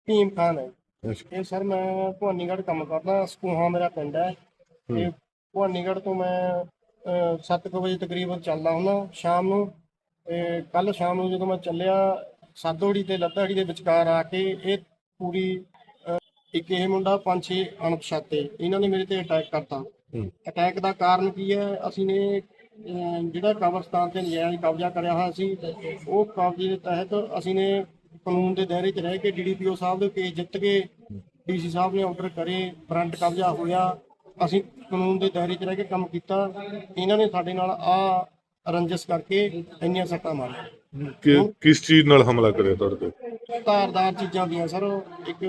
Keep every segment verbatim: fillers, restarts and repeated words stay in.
ਭੀਮ ਖਾਨ ਹੈ। ਅੱਛਾ। ਇਹ ਸਰ ਮੈਂ ਭਵਾਨੀਗੜ੍ਹ ਕੰਮ ਕਰਦਾ, ਸਕੂਹਾ ਮੇਰਾ ਪਿੰਡ ਹੈ। ਹੂੰ। ਤੇ ਭਵਾਨੀਗੜ੍ਹ ਤੋਂ ਮੈਂ ਅਹ, ਸੱਤ ਕੁ ਵਜੇ ਤਕਰੀਬਨ ਚੱਲਦਾ ਹੁੰਦਾ ਸ਼ਾਮ ਨੂੰ। ਤੇ ਕੱਲ ਸ਼ਾਮ ਨੂੰ ਜਦੋਂ ਮੈਂ ਚੱਲਿਆ, ਸਾਦੋੜੀ ਤੇ ਲੱਦਾੜੀ ਦੇ ਵਿਚਕਾਰ ਆ ਕੇ ਇਹ ਪੂਰੀ ਅਹ, ਇੱਕ ਇਹ ਮੁੰਡਾ ਪੰਜ ਛੇ ਅਣਪਛਾਤੇ ਇਹਨਾਂ ਨੇ ਮੇਰੇ ਤੇ ਅਟੈਕ ਕਰਤਾ। ਹੂੰ। ਅਟੈਕ ਦਾ ਕਾਰਨ ਕੀ ਹੈ? ਅਸੀਂ ਨੇ ਅਹ, ਜਿਹੜਾ ਕਬਰਸਤਾਨ ਤੇ ਨਜਾਇਜ਼ ਕਬਜ਼ਾ ਕਰਿਆ ਹੋਇਆ ਸੀ, ਉਹ ਕਬਜ਼ੇ ਦੇ ਤਹਿਤ ਅਸੀਂ ਨੇ ਕਾਨੂੰਨ ਦੇ ਦਾਇਰੇ 'ਚ ਰਹਿ ਕੇ ਡੀਡੀਪੀਓ ਸਾਹਿਬ ਦੇ ਕੇਸ ਜਿੱਤ ਕੇ, ਡੀਸੀ ਸਾਹਿਬ ਨੇ ਆਰਡਰ ਕਰੇ, ਫਰੰਟ ਕਬਜ਼ਾ ਹੋਇਆ, ਅਸੀਂ ਕਾਨੂੰਨ ਦੇ ਦਾਇਰੇ 'ਚ ਰਹਿ ਕੇ ਕੰਮ ਕੀਤਾ। ਇਹਨਾਂ ਨੇ ਸਾਡੇ ਨਾਲ ਆ ਰੰਜਿਸ਼ ਕਰਕੇ ਇੰਨੀਆਂ ਸੱਟਾਂ ਮਾਰੀਆਂ। ਕਿ ਕਿਸ ਚੀਜ਼ ਨਾਲ ਹਮਲਾ ਕਰਿਆ ਤੁਹਾਡੇ ਤੇ? ਧਾਰਦਾਰ ਚੀਜ਼ਾਂ ਦੀਆਂ ਸਰ, ਇੱਕ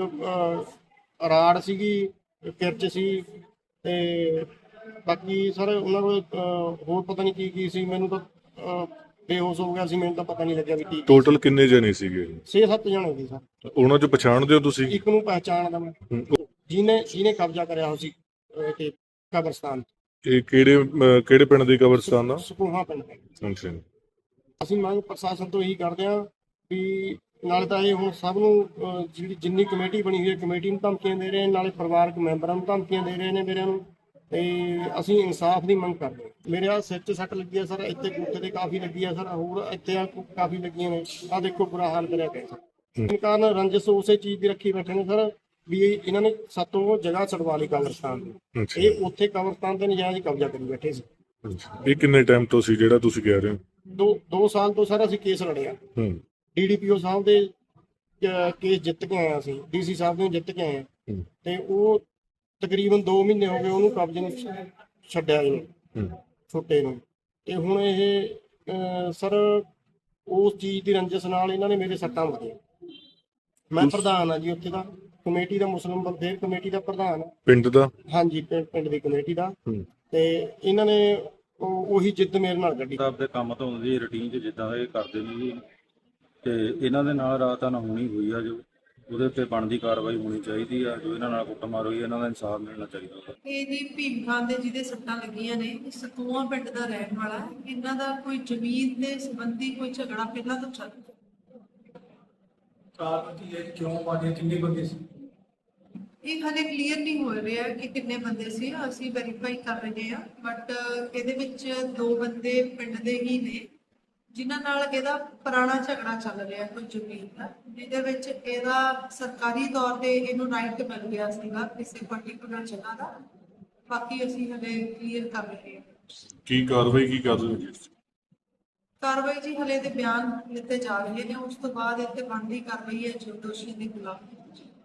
ਅਹ, ਰਾੜ ਸੀਗੀ, ਕਿਰਚ ਸੀ, ਤੇ ਬਾਕੀ ਸਰ ਉਹਨਾਂ ਕੋਲ ਅਹ, ਹੋਰ ਪਤਾ ਨਹੀਂ ਕੀ ਕੀ ਸੀ। ਮੈਨੂੰ ਤਾਂ ਅਹ, ਬੇਹੋਸ਼ ਹੋ ਗਿਆ ਸੀ, ਮੈਨੂੰ ਤਾਂ ਪਤਾ ਨਹੀਂ ਲੱਗਿਆ ਵੀ ਕੀ ਟੋਟਲ ਕਿੰਨੇ ਜਣੇ ਸੀਗੇ? ਛੇ ਸੱਤ ਜਣੇ ਸੀ ਸਰ। ਉਹਨਾਂ ਚ ਪਛਾਣਦੇ ਹੋ ਤੁਸੀਂ? ਇੱਕ ਨੂੰ ਪਹਿਚਾਣਦਾ ਮੈਂ, ਹੂੰ। ਜਿਹਨੇ ਜਿਹਨੇ ਕਬਜ਼ਾ ਕਰਿਆ ਹੋਇਆ ਸੀ ਅਹ, ਤੇ ਕਬਰਸਤਾਨ ਇਹ ਕਿਹੜੇ ਅਹ, ਕਿਹੜੇ ਪਿੰਡ ਦੀ ਕਬਰਸਤਾਨ ਦਾ? ਸਕੂਹਾ ਪਿੰਡ ਹੈ। ਅੱਛਾ। ਅਸੀਂ ਮੰਗ ਪ੍ਰਸ਼ਾਸਨ ਤੋਂ ਇਹੀ ਕਰਦੇ ਹਾਂ ਵੀ ਨਾਲੇ ਤਾਂ ਇਹ ਹੁਣ ਸਭ ਨੂੰ ਅਹ, ਜਿਹੜੀ ਜਿੰਨੀ ਕਮੇਟੀ ਬਣੀ ਹੋਈ ਹੈ ਕਮੇਟੀ ਨੂੰ ਧਮਕੀਆਂ ਦੇ ਰਹੇ ਨੇ, ਨਾਲੇ ਪਰਿਵਾਰਕ ਮੈਂਬਰਾਂ ਨੂੰ ਧਮਕੀਆਂ ਦੇ ਰਹੇ ਨੇ ਮੇਰਿਆਂ ਨੂੰ। ਤੇ ਅਸੀਂ ਇਨਸਾਫ ਦੀ ਮੰਗ ਕਰਦੇ ਹਾਂ। ਮੇਰੇ ਆ ਸਿਰ 'ਚ ਸੱਟ ਲੱਗੀ ਹੈ ਸਰ, ਇੱਥੇ ਗੁੱਠੇ ਤੇ ਕਾਫੀ ਲੱਗੀ ਹੈ ਸਰ, ਹੋਰ ਇੱਥੇ ਆ ਕਾਫੀ ਲੱਗੀਆਂ ਨੇ। ਆ ਦੇਖੋ ਬੁਰਾ ਹਾਲ ਕਰਿਆ ਪਿਆ ਸਰ। ਇਸ ਕਾਰਨ ਰੰਜਿਸ਼ ਉਸੇ ਚੀਜ਼ ਦੀ ਰੱਖੀ ਬੈਠੇ ਨੇ ਸਰ ਵੀ ਇਹ- ਇਹਨਾਂ ਨੇ ਸਾਤੋਂ ਜਗ੍ਹਾ ਛਡਵਾ ਲਈ ਕਬਰਸਤਾਨ ਦੀ। ਅੱਛਾ। ਇਹ ਉੱਥੇ ਕਬਰਸਤਾਨ ਤੇ ਨਜਾਇਜ਼ ਕਬਜ਼ਾ ਕਰੀ ਬੈਠੇ ਸੀ। ਅੱਛਾ। ਇਹ ਕਿੰਨੇ ਟਾਈਮ ਤੋਂ ਸੀ ਜਿਹੜਾ ਤੁਸੀਂ ਕਹਿ ਰਹੇ ਹੋ? ਦੋ ਦੋ ਸਾਲ ਤੋਂ ਸਰ ਅਸੀਂ ਕੇਸ ਲੜਿਆ। ਹੂੰ। ਡੀਡੀਪੀਓ ਸਾਹਿਬ ਦੇ ਅਹ, ਕੇਸ ਜਿੱਤ ਕੇ ਆਇਆ ਸੀ, ਡੀਸੀ ਸਾਹਿਬ ਨੂੰ ਜਿੱਤ ਕੇ ਆਏ ਹਾਂ। ਹੂੰ। ਤੇ ਉਹ ਤਕਰੀਬਨ ਦੋ ਮਹੀਨੇ ਹੋ ਗਏ ਉਹਨੂੰ ਕਬਜ਼ੇ ਨੂੰ ਛ- ਛੱਡਿਆ ਇਹਨੂੰ, ਹੂੰ। ਛੋਟੇ ਨੂੰ। ਤੇ ਹੁਣ ਇਹ ਅਹ, ਸਰ ਉਸ ਚੀਜ਼ ਦੀ ਰੰਜਿਸ਼ ਨਾਲ ਇਹਨਾਂ ਨੇ ਮੇਰੇ ਸੱਟਾਂ ਮਾਰੀਆਂ। ਮੈਂ ਪ੍ਰਧਾਨ ਆ ਜੀ ਉੱਥੇ ਦਾ, ਕਮੇਟੀ ਦਾ, ਮੁਸਲਿਮ ਵੈਲਫੇਅਰ ਕਮੇਟੀ ਦਾ ਪ੍ਰਧਾਨ ਆ। ਪਿੰਡ ਦਾ? ਹਾਂਜੀ, ਪਿੰ- ਪਿੰਡ ਦੀ ਕਮੇਟੀ ਦਾ। ਹੂੰ। ਤੇ ਇਹਨਾਂ ਨੇ ਉਹ- ਉਹੀ ਜਿੱਦ ਮੇਰੇ ਨਾਲ ਕੱਢੀ। ਆਪਦੇ ਕੰਮ ਤੋਂ ਆਉਂਦੀ ਰੂਟੀਨ 'ਚ ਜਿੱਦਾਂ ਇਹ ਕਰਦੇ ਨੇ ਜੀ, ਤੇ ਇਹਨਾਂ ਦੇ ਨਾਲ ਰਾਤ ਅਣਹੋਣੀ ਹੋਈ ਆ, ਜੋ ਉਹਦੇ ਉੱਤੇ ਬਣਦੀ ਕਾਰਵਾਈ ਹੋਣੀ ਚਾਹੀਦੀ ਆ। ਜੋ ਇਹਨਾਂ ਨਾਲ ਕੁੱਟਮਾਰ ਹੋਈ, ਇਹਨਾਂ ਦਾ ਇਨਸਾਫ ਮਿਲਣਾ ਚਾਹੀਦਾ। ਇਹ ਜੀ ਭੀਮ ਖਾਨ ਦੇ ਜਿਹਦੇ ਸੱਟਾਂ ਲੱਗੀਆਂ ਨੇ, ਇਹ ਸਤੂਆ ਪਿੰਡ ਦਾ ਰਹਿਣ ਵਾਲਾ ਹੈ। ਇਹਨਾਂ ਦਾ ਕੋਈ ਜ਼ਮੀਨ ਦੇ ਸੰਬੰਧੀ ਕੋਈ ਝਗੜਾ ਪਹਿਲਾਂ ਤੋਂ ਚੱਲ ਰਿਹਾ। ਕਾਰਨ ਕੀ ਹੈ, ਕਿਉਂ ਮਾਰੇ, ਕਿੰਨੇ ਬੰਦੇ ਸੀ? ਇਹ ਹਾਲੇ ਕਲੀਅਰ ਨਹੀਂ ਹੋ ਰਿਹਾ ਕਿ ਕਿੰਨੇ ਬੰਦੇ ਸੀ, ਅਸੀਂ ਵੈਰੀਫਾਈ ਕਰ ਰਹੇ ਹਾਂ। ਬਟ ਇਹਦੇ ਵਿੱਚ ਦੋ ਬੰਦੇ ਪਿੰਡ ਦੇ ਹੀ ਨੇ ਜਿਨ੍ਹਾਂ ਨਾਲ ਇਹਦਾ ਪੁਰਾਣਾ ਝਗੜਾ ਚੱਲ ਰਿਹਾ ਕੋਈ ਜ਼ਮੀਨ ਦਾ, ਜਿਹਦੇ ਵਿੱਚ ਇਹਦਾ ਸਰਕਾਰੀ ਤੌਰ ਤੇ ਇਹਨੂੰ ਰਾਈਟ ਮਿਲ ਗਿਆ ਸੀਗਾ ਕਿਸੇ ਪਾਰਟਿਕੂਲਰ ਜਗ੍ਹਾ ਦਾ। ਬਾਕੀ ਅਸੀਂ ਹਲੇ ਕਲੀਅਰ ਕਰ ਰਹੇ ਹਾਂ। ਕੀ ਕਾਰਵਾਈ ਕੀ ਕਰ ਰਹੇ ਹੋ ਜੀ? ਕਾਰਵਾਈ ਜੀ ਹਲੇ ਦੇ ਬਿਆਨ ਲਿੱਤੇ ਜਾ ਰਹੇ ਨੇ, ਉਸ ਤੋਂ ਬਾਅਦ ਇੱਥੇ ਬਣਦੀ ਕਾਰਵਾਈ ਹੈ ਜੋ ਦੋਸ਼ੀ ਦੇ ਖਿਲਾਫ।